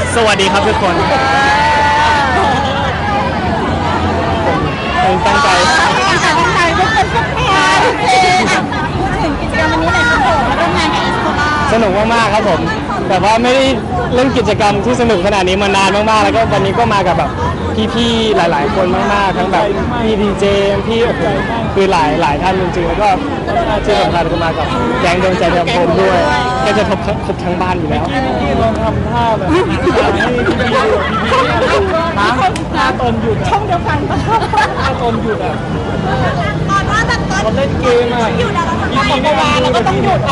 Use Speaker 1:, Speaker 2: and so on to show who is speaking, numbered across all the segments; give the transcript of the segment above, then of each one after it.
Speaker 1: สวัสดีครับทุกคนผมตั้งใจ
Speaker 2: พูดถึงกิจกรรมวันนี้หน่อยครับผมมาร่วมงานกับอีสโคล่า
Speaker 1: สนุกมากๆครับผมแต่ว่าไม่ได้เล่นกิจกรรมที่สนุกขนาดนี้มานานมากๆแล้วก็วันนี้ก็มากับแบบพี่ๆหลายๆคนมากๆทั้งแบบพี่ดีเจพี่โอ้โหคือหลายท่านจริงๆแล้วก็ที่สำคัญก็มากับแก๊งดวงใจเดิมพมด้วยก็จะครบทั้งบ้านอยู่แล้วลองทำท่าแบบให้ท่าตนหยุด
Speaker 2: ช่องเดียวกันปะ
Speaker 1: ท่าตนหยุดอ่ะ
Speaker 2: ตอนว่าแบบตอน
Speaker 1: เขาเล่นเกมอ่ะ
Speaker 2: อยู่นะเราทำได้เราก็ต้องหยุดนะ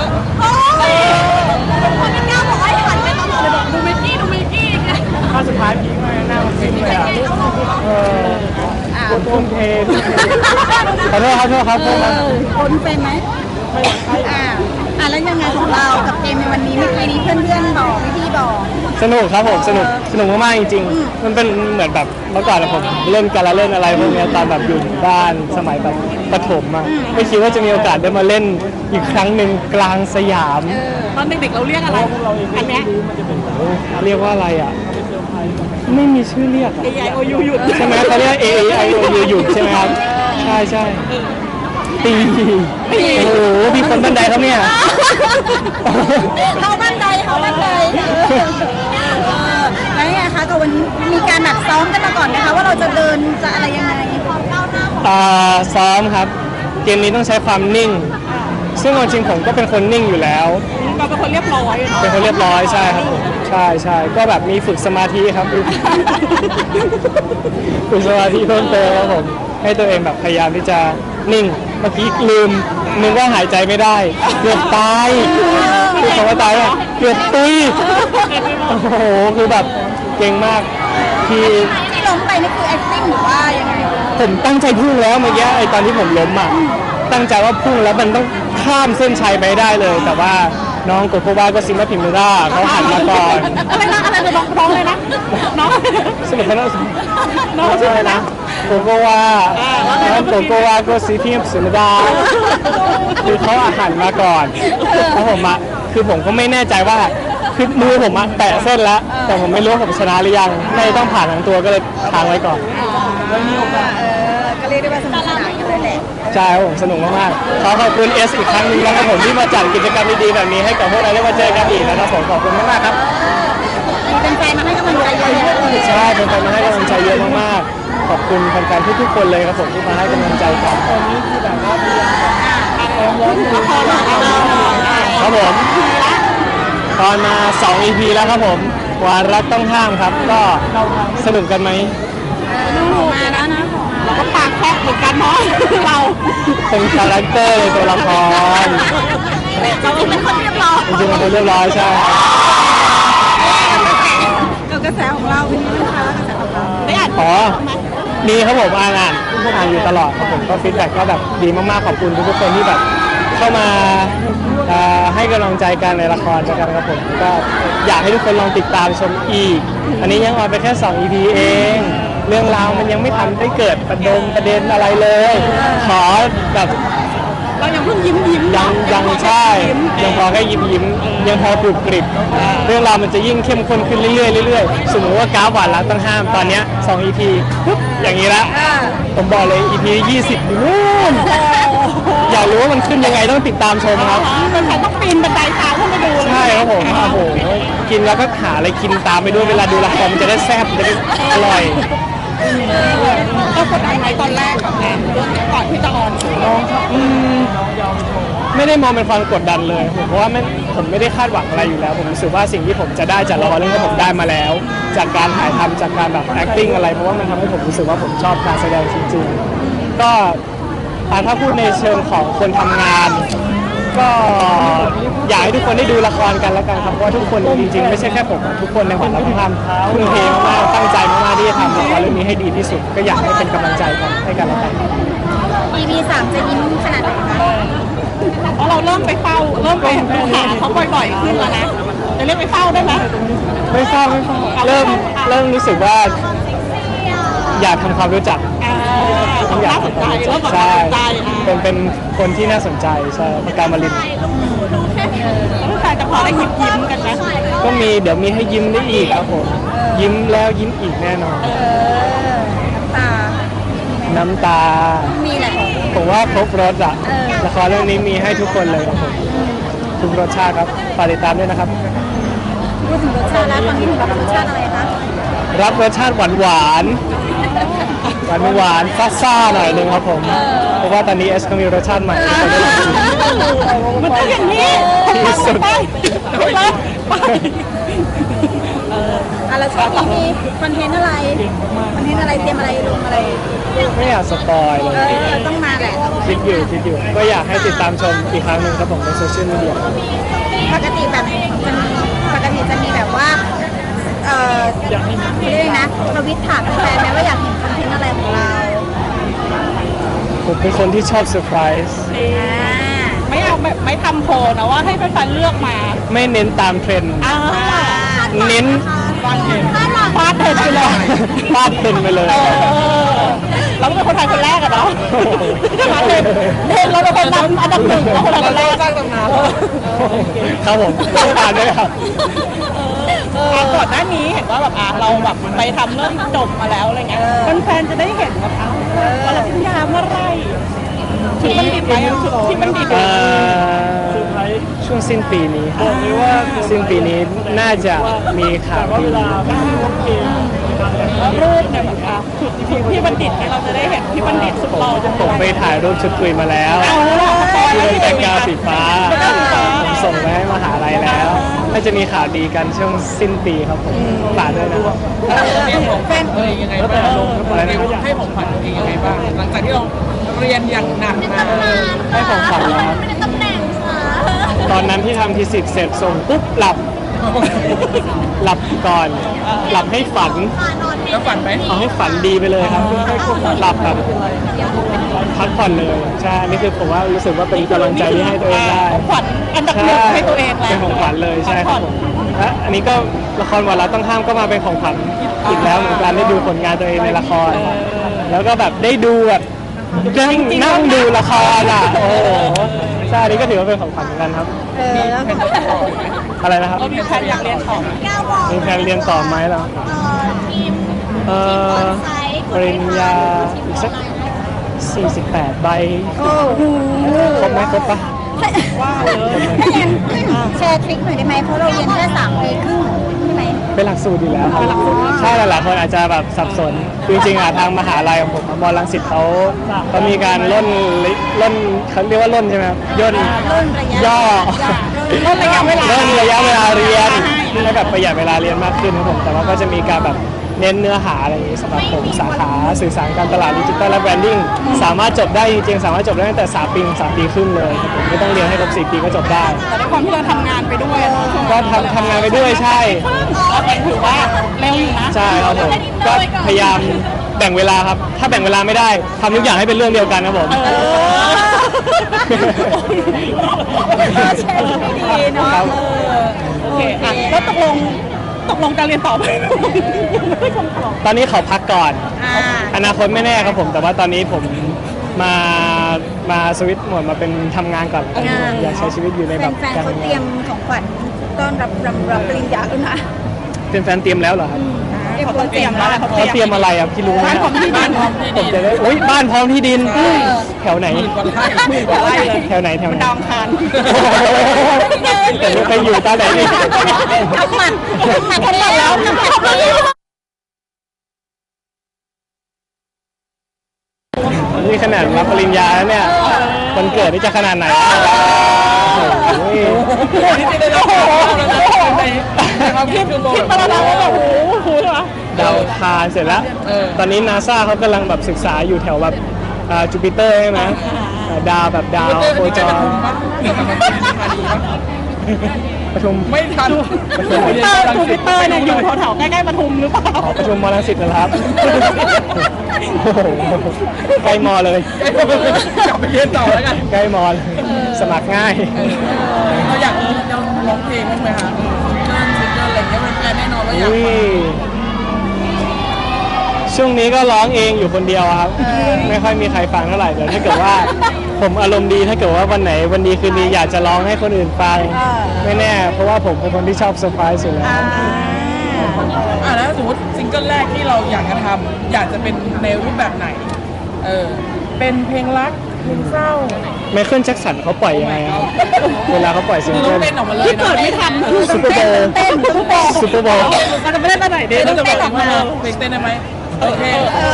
Speaker 2: คนที่ก้าวบอกว่าหันไปตลอดเลยบอกดูมิกกี้
Speaker 1: ถ้าสุดท้ายพีคเลยหน้ามันซิงเลยอ่ะทุ่มเทขอโทษครับ
Speaker 2: คนเป็นไหมแล้วยังไงของเรากับเกมในวันนี้เมื่อกี้นี้เพื่อนบอกพี่บอก
Speaker 1: สนุกครับผมสนุกมากๆจริงๆมันเป็นเหมือนแบบเมื่อก่อนผมเล่นการละเล่นอะไรพวกนี้ตอนแบบอยู่บ้านสมัยแบบประถมอ่ะไม่คิดว่าจะมีโอกาสได้มาเล่นอีกครั้งหนึ่งกลางสยาม
Speaker 2: ตอนเด็กๆเราเรียกอะไรอันนี้
Speaker 1: เรียกว่าอะไรอ่ะไม่มีชื่อเรียก
Speaker 2: AIOU หยุด
Speaker 1: ใช่ไหมเขาเรียก AIOU หยุดใช่ไหมครับใช่ตีโอ้โหมีคนบันไดครับเนี่ย
Speaker 2: เขาบันไดแล้วไงคะกับวันนี้มีการแบบซ้อมกันมาก่อนนะคะว่าเราจะเดินจะอะไรยังไง
Speaker 1: ซ้อมครับเกมนี้ต้องใช้ความนิ่งซึ่งจริงผมก็เป็นคนนิ่งอยู่แล้ว
Speaker 2: เราเป็นคนเรียบร้อย
Speaker 1: เป็นคนเรียบร้อยใช่ครับผมใช่ก็แบบมีฝึกสมาธิครับฝึกสมาธิเพิ่มเติมครับผมให้ตัวเองแบบพยายามที่จะนิ่งเมื่อกี้ลืมนึกว่าหายใจไม่ได้เกือบตายคือคำว่าตายเกือบตุยโอ้โหคือแบบเก่งมาก
Speaker 2: ที่ล้มไปนี่คือ acting หรือว่ายังไง
Speaker 1: ผมตั้งใจพุ่งแล้วเมื่อกี้ไอตอนที่ผมล้มอ่ะตั้งใจว่าพุ่งแล้วมันต้องข้ามเส้นชัยไปได้เลยแต่ว่าน้องโกโกวาก็ซิมาพิมเมด้าเขาหันมาก่อน
Speaker 2: อะไรเลยน้องเลยนะน้อง
Speaker 1: สนุกขนาดน้องใช่นะโกโกวาน้องโกโกวาก็ซิพิมพิมเมด้าคือเขาหันมาก่อนแล้วผมอ่ะคือผมก็ไม่แน่ใจว่าคือมือผมแตะเส้นแล้วแต่ผมไม่รู้ผมชนะหรือยังไม่ต้องผ่านทั้งตัวก็เลยทางไว้ก่อน
Speaker 2: ก็เรียกได้ว่าสนุกสนานกันเลยแหละ
Speaker 1: ใช่ผมสนุกมากๆขอบคุณเอสอีกครั้งนึงนะครับผมที่มาจัดกิจกรรมดีๆแบบนี้ให้กับพวกเราได้มาเจอกันอีกนะครับผมขอบคุณมากๆครับ
Speaker 2: เป็นแฟนมาให้กำลังใจเยอะ
Speaker 1: ใช่เป็นแฟนมาให้กำลังใจเยอะมากๆขอบคุณแฟนๆทุกๆคนเลยครับผมที่มาให้กำลังใจกันตอนนี้คือแบบว่าครับผมตอนมา2 EP แล้วครับผมวารักต้องห้ามครับก็สนุกกันไหม
Speaker 2: มาแล้วนะเราก็ปากแคบเหมือนกันเนาะเรา
Speaker 1: เป็นคาแรคเตอร์ในตัวละคร
Speaker 2: เราเป็นคนเรียบร้อย
Speaker 1: จริงๆเป็นคนเรียบร้อยใช่
Speaker 2: กับกระแสของเราเป็นยังไงคะกระแสของเราได้อ่าน
Speaker 1: มีครับผมอ่านอยู่ตลอดครับผมก็ฟีดแบ็กก็แบบดีมากๆขอบคุณทุกคนที่แบบเข้ามาให้กำลังใจกันในละครกันครับผมก็อยากให้ทุกคนลองติดตามชมอีกอันนี้ยังออนไปแค่2 EP เองเรื่องราวมันยังไม่ทันได้เกิดประเด็นอะไรเลยขอแบบ
Speaker 2: เรายังเพิ่งยิ้ม
Speaker 1: ยังใช่ยังพอแค่ยิ้มยังพอกรุบกริบเรื่องราวมันจะยิ่งเข้มข้นขึ้นเรื่อยๆสมมติว่ากราฟหวานรักต้องห้ามตอนนี้2 EP ปุ๊บอย่างนี้ละผมบอกเลย EP 20นู่นอยากรู้ว่ามันขึ้นยังไงต้องติดตามชมครับ
Speaker 2: มันต้องปีนบันไดตามขึ้นไปดู
Speaker 1: ใช่ครับผมโอ้โหกินแล้วก็หาอะไรกินตามไปด้วยเวลาดูละครมันจะได้แซ่บจะได้อร่อย
Speaker 2: เรากดดันไหมตอนแรกแบบนั้นเรื่องก่อนที่จะออน
Speaker 1: ไม่ได้มองเป็นความกดดันเลยผมเพราะว่าผมไม่ได้คาดหวังอะไรอยู่แล้วผมรู้สึกว่าสิ่งที่ผมจะได้จากละครเรื่องที่ผมได้มาแล้วจากการถ่ายทำจากการแบบ acting อะไรเพราะว่ามันทำให้ผมรู้สึกว่าผมชอบการแสดงจริงๆก็ถ้าพูดในเชิงของคนทำงานก็อยากให้ทุกคนได้ดูละครกันแล้วกันครับเพราะว่าทุกคนจริงๆไม่ใช่แค่ผมทุกคนในหอเราทำทุ่มเทมากตั้งใจมากที่จะทำละครเรื่องนี้ให้ดีที่สุดก็อยากให้เป็นกำลังใจกันให้กันแล้วกัน
Speaker 2: EP 3จะยิ้มขนาดไหนคะเพราะเราเริ่มไปเฝ้าเริ่มไปหาเขาบ่อยๆขึ้นแล้วนะจะเรียกไปเฝ้าได้ไหม
Speaker 1: ไม่เฝ้าเริ่มรู้สึกว่าอยากทำความรู้จักทุกอย่าง
Speaker 2: น่าสนใจเริ่มแบบ
Speaker 1: ใช่
Speaker 2: น่าสนใจ
Speaker 1: เป็นคนที่น่าสนใจใช่ปากกามาลิน
Speaker 2: ลูกชายจะพอได้ยิ้มกันไหม
Speaker 1: ก็มีเดี๋ยวมีให้ยิ้มได้อีกครับผมยิ้มแล้วยิ้มอีกแน่นอน
Speaker 3: ตา
Speaker 1: น้ำตา
Speaker 3: มีแหละ
Speaker 1: ผมว่าครบรสอะละครเรื่องนี้มีให้ทุกคนเลยครับผมทุกรสชาติครับฝากติดตามด้วยนะครับ
Speaker 3: พูดถึงรสชาติแล้วตอนนี้ถึงรับรสชาติอะไรคะ
Speaker 1: รับรสชาติหวานหวานหวานๆซ่าๆหน่อยหนึงครับผมเพราะว่าตอนนี้เอสก็มีรสชาติใหม่ที่คนได้ลองชิม
Speaker 2: มันต้องอย่างนี้
Speaker 1: ที่สุด
Speaker 2: ไป
Speaker 3: แล้วช่วงนี้มีคอนเทนต์อะไรคอนเทนต์อะไรเตรียมอะไรลงอะไร
Speaker 1: ไม่อยากสปอยเลย
Speaker 3: ต้องมาแหละ
Speaker 1: คิดอยู่ก็อยากให้ติดตามชมอีกครั้งหนึ่งครับผมในโซเชียลมีเดีย
Speaker 3: ปกติแบบจะมีแบบว่าเรียกนะทวิตถามแฟนไหมว่าอยากเห็นคอนเทนต์อะไรของเรา
Speaker 1: ผมเป็นคนที่ชอบเซอร์ไพรส์
Speaker 2: ไม่เอาแบบไม่ทำโพลนะว่าให้แฟนๆเลือกมา
Speaker 1: ไม่เน้นตามเทรนด์ เน้น
Speaker 2: ฟาดเห็นไปเลย
Speaker 1: ฟาดเทรนด์ไปเลย
Speaker 2: เราเป็นคนไทยคนแรกอะเนาะฟาดเห็นเราเป็นคนนำอันดับหนึ่งเราคนไทยคนแรกสร้างตำนาน
Speaker 1: ครับผมต้องการด้วยครับ
Speaker 2: ก่อนหน้านี้เห็นว่าแบบเราแบบไปทำเรื่องจบมาแล้วอะไรเงี้ยแฟนๆจะได้เห็นแบบวันละพิญญาเมื่อไรชุดมันดิบไหมชุดที่มันดิบ
Speaker 1: ช่วงสิ้นปีนี้ครับสิ้นปีนี้น่าจะมีข่าวดี
Speaker 2: รูปเนี่ยแบบชุดพี่บัณฑิตเนี่ยเราจะได้เห็นพี่บัณฑิตสุดหล่อ
Speaker 1: ผมไปถ่ายรูปชุดคุยมาแล้ว
Speaker 2: เอาล่ะ
Speaker 1: ที่เป็นแบ็คกราวด์สีฟ้าผมส่งไปให้มหาลัยแล้วน่าจะมีข่าวดีกันช่วงสิ้นปีครับผมฝากด้วยนะครับ
Speaker 3: แฟน
Speaker 4: ยังไงบ้างให้ของขวัญตัวเองยังไงบ้างหลังจากที่เราเรียนอย่างหนักมา
Speaker 1: ให้ของขวัญแล้วครับ
Speaker 3: ตำแหน่งค่ะ
Speaker 1: ตอนนั้นที่ทำทีสิทธิ์เสร็จส่งปุ๊บหลับก่อน หลับให้ฝัน
Speaker 4: แล้วฝันไหม
Speaker 1: เอาให้ฝันดีไปเลยครับหลับแบบพักผ่อนเลยใช่นี่คือผมว่ารู้สึกว่าเป็นกำลังใจที่ให้ตัวเองได้
Speaker 2: ของขวัญอันดับหนึ่งให้ตัวเองแล้ว
Speaker 1: เป็นของขวัญเลยใช่ครับผมและอันนี้ก็ละครวันละต้องห้ามก็มาเป็นของขวัญอีกแล้วเหมือนกันได้ดูผลงานตัวเองในละคร แล้วก็แบบได้ดูแบบนั่งดูละครอ่ะโอ้โหใช่อันนี้ก็ถือว่าเป็นของขวัญเหมือนกันครับ
Speaker 3: แล้ว
Speaker 1: อะไรนะครับ
Speaker 2: เรามีแพลนอยากเรียนต่อ
Speaker 1: มีแผนเรียนต่อไหมล่ะ
Speaker 3: ทีม
Speaker 1: เออปริญญาอีกสัก48 ใบ
Speaker 3: โอ้โห
Speaker 1: ครบไหมครบปะ
Speaker 2: ว่าเลย
Speaker 3: ถ้าอย่างนั้นแชร์ทริคหน่อยได้ไหมเพราะเราเรียนแค่3 ปีครึ่งใช่ไหม
Speaker 1: เป็นหลักสูตรอยู่แล้วครับใช่หลายๆคนอาจจะแบบสับสน จริงๆอ่ะทางมหาลัยของผมมอรังสิตเขามีการล่นเขาเรียกว่าล่นใช่ไหมครับย่น
Speaker 3: รุ่นระยะ
Speaker 1: ย่อ
Speaker 2: ลดระยะเวลา
Speaker 1: ล่นระยะเวลาเรียนให้แบบประหยัดเวลาเรียนมากขึ้นครับผมแต่ว่าก็จะมีการแบบเน้นเนื้อหาอะไรอย่างนี้สำหรับผมสาขาสื่อสารการตลาดดิจิทัลและแบรนดิ้งสามารถจบได้จริงๆสามารถจบได้ตั้งแต่3 ปีถึง3 ปีครึ่งเลยครับผมไม่ต้องเรียนให้ครบ4 ปีก็จบได้
Speaker 2: แต่ด้วยความที่เราทำงานไปด้วยเนอะช่วง
Speaker 1: ก็
Speaker 2: นั้น
Speaker 1: ทำงานไปด้วยใช่
Speaker 2: ก็ถือว่าเร็วอยู่นะ
Speaker 1: ใช่ครับผมก็พยายามแบ่งเวลาครับ ถ้าแบ่งเวลาไม่ได้ทำทุกอย่างให้เป็นเรื่องเดียวกันครับผม
Speaker 3: แชร์ทริคดีเนาะ
Speaker 1: ครับ
Speaker 2: โอเคอ่ะแล้วตกลงการเรียนต่อไหมไม่คงตอบ
Speaker 1: ตอนนี้ขอพักก่อน
Speaker 3: อ่า
Speaker 1: อนาคตไม่แน่ครับผม แต่ว่าตอนนี้ผมมาสวิตช์โหมดมาเป็นทำงานก่อนแล้วกันอยากใช้ชีวิตอยู่ในแบบ
Speaker 3: แฟนๆ
Speaker 1: การ
Speaker 3: เขา
Speaker 1: ทำ
Speaker 3: เต
Speaker 1: งา
Speaker 3: รีย
Speaker 1: น
Speaker 3: มของขวัญต้อนรับปริญญาแล้วนะ
Speaker 1: เป็นแฟนเตรียมแล้วเหรอครับ
Speaker 2: เขาเตรียมแล้วแหละ
Speaker 1: เขาเตรียมอะไรอ่ะพี่รู้ไหม
Speaker 2: บ้านของที่ดิน
Speaker 1: ผมจะได้โอ๊ยบ้านพร้อมที่ดินแถวไหน
Speaker 2: ไล่เลย
Speaker 1: แถวไหน
Speaker 2: มัน
Speaker 1: แถวไหน
Speaker 2: ดาวอังคาร
Speaker 1: แต่ไม่เคยอยู่ตาไหนนี่
Speaker 3: ทำหมันแล้ว
Speaker 1: นี่ขนาดรับปริญญาแล้วเนี่ยวันเกิดนี่จะขนาดไหนโอ้โห
Speaker 2: คิดมาแล้วว่าแบบโอ้โหใช่ไหม
Speaker 1: ดาวอังคารเสร็จแล้ว ตอนนี้นาซาเขากำลังแบบศึกษาอยู่แถวแบบจูปิเตอร์ใช่ไหมดาวแบบดาวโคจรประชุม
Speaker 4: ไม่ทัน
Speaker 2: จูปิเตอร์เนี่ยอยู่แถวๆใกล้ๆปทุมหรือเปล่า
Speaker 1: ขอประชุมมอลังสิตนะครับโอ้โหใกล้มอเลย
Speaker 4: กลับไปเรียนต่อแล้วกัน
Speaker 1: ใกล้มอเลยสมัครง่าย
Speaker 4: เราอยากร้องเพลงบ้างไหมคะซิงเกิลอะไรเงี้ยเป็นแฟนแน่นอนว่าอยาก
Speaker 1: อุ้ย
Speaker 4: ฟัง
Speaker 1: ช่วงนี้ก็ร้องเองอยู่คนเดียวครับ ไม่ค่อยมีใครฟังเท่าไหร่เดี๋ยวถ้าเกิดว่าผมอารมณ์ดีถ้าเกิดว่าวันไหนวันดีคืนดีอยากจะร้องให้คนอื่นฟังไม่แน่เพราะว่าผมเป็นคนที่ชอบเซอร์ไพรส์อยู่แล้ว
Speaker 4: แล้วสมมติซิงเกิลแรกที่เราอยากจะทำอยากจะเป็นในรูปแบบไหนเป็นเพลงรักเพลงเศร้า
Speaker 1: ไมเคิลแจ็คสันเขาปล่อยยังไงครับเวลาเขาปล่อยซิง
Speaker 4: คือต้
Speaker 1: เกิ
Speaker 4: อง
Speaker 1: ล
Speaker 4: เต้นออกมาเลย
Speaker 2: ที่เกิดไม่ทัน
Speaker 1: ซูเปอร์โบว์ซูเปอร์โบว์
Speaker 2: มันจะไม่ได้ไปไหนดี
Speaker 4: เต้น
Speaker 2: ต้อง
Speaker 4: จะบ
Speaker 2: เต้
Speaker 4: อน ก
Speaker 2: ออกมา
Speaker 4: เพลงเต้นได้ไหมโอเค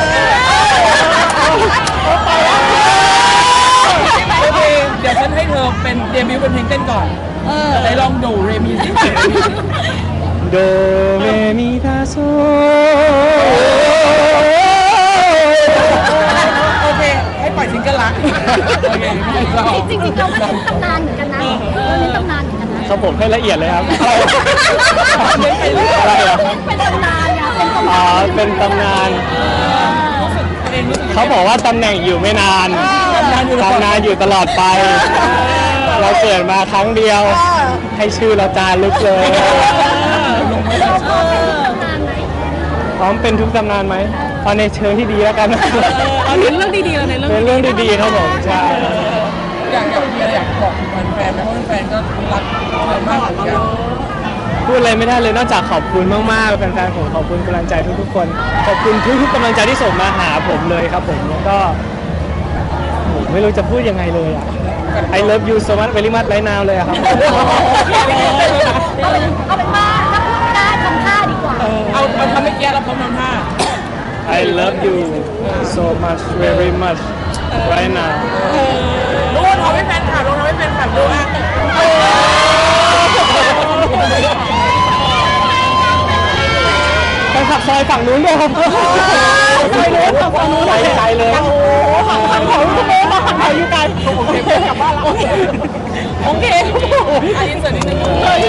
Speaker 4: โอเคเดี๋ยวฉันให้เธอเป็นเดบิวต์เป็นเพลงเต้นก่อนไหนลองดูเรมิสิ
Speaker 1: โดเรมีฟาโซ
Speaker 4: โอเคให้ปล่อยซิงเกิลละโอเคไม่ชอบ
Speaker 3: จริงๆเราก็เน้นตำนานเหมือนกันนะเราเน้นตำนานเหมือนกันนะครับ
Speaker 1: ผมให้ละเอียดเลยครับ
Speaker 3: อะไร
Speaker 1: อะไรเหรอ
Speaker 3: เป็นตำนานอะเป็นตำ
Speaker 1: อ๋
Speaker 3: นา
Speaker 1: อน เป็นตำนาน
Speaker 4: ตัวเองรู้สึก
Speaker 1: เขาบอกว่าตำแหน่งอยู่ไม่นานตำนานอยู่ตลอดไป เราเกิดมาครั้งเดียว ให้ชื่อเราจารึกเลย
Speaker 4: ลงไม่ได้
Speaker 3: ตำนานไหม
Speaker 1: พร้อมเป็นทุกตำนานไหมเอาในเชิงที่ดีแล้วกัน
Speaker 2: เอาเน้นเรื่องดีๆเราในเรื่อง
Speaker 1: เป็นเรื่องดีๆครับผมใช่
Speaker 4: อยากมีอะไรอยากบอกแฟนๆไหมเพราะแฟนๆก็รักเรามากเหมือนกัน
Speaker 1: พูดอะไรไม่ได้เลยนอกจากขอบคุณมากๆแฟนๆผมขอบคุณกำลังใจทุกๆคนขอบคุณทุกๆกำลังใจที่ส่งมาหาผมเลยครับผมแล้วก็ผมไม่รู้จะพูดยังไงเลยอ่ะ I love you so much very much right now เลยอะครับ
Speaker 3: เอาเป็นว่าถ้าพูดไม่ได้ทำท่าดีกว่า
Speaker 4: เอาทำไม่แก้แล้วพร้อมทำท่า
Speaker 1: I love you so much very much right now
Speaker 4: รู้ว่าทำให้แฟนคลับรู้ทำให้แฟนคลับดูอ่ะ
Speaker 1: ไปขับซอยฝั่งนู้นด้วยครับซอยนู้นฝั่งนู้นไกลเลย
Speaker 2: ขันเขาอยู่ไกลขันเขาอยู่ไกลโอเคกลับบ้านแล้วโอเค
Speaker 4: อันนี้เสร็จนิดนึง
Speaker 2: เฮ้ย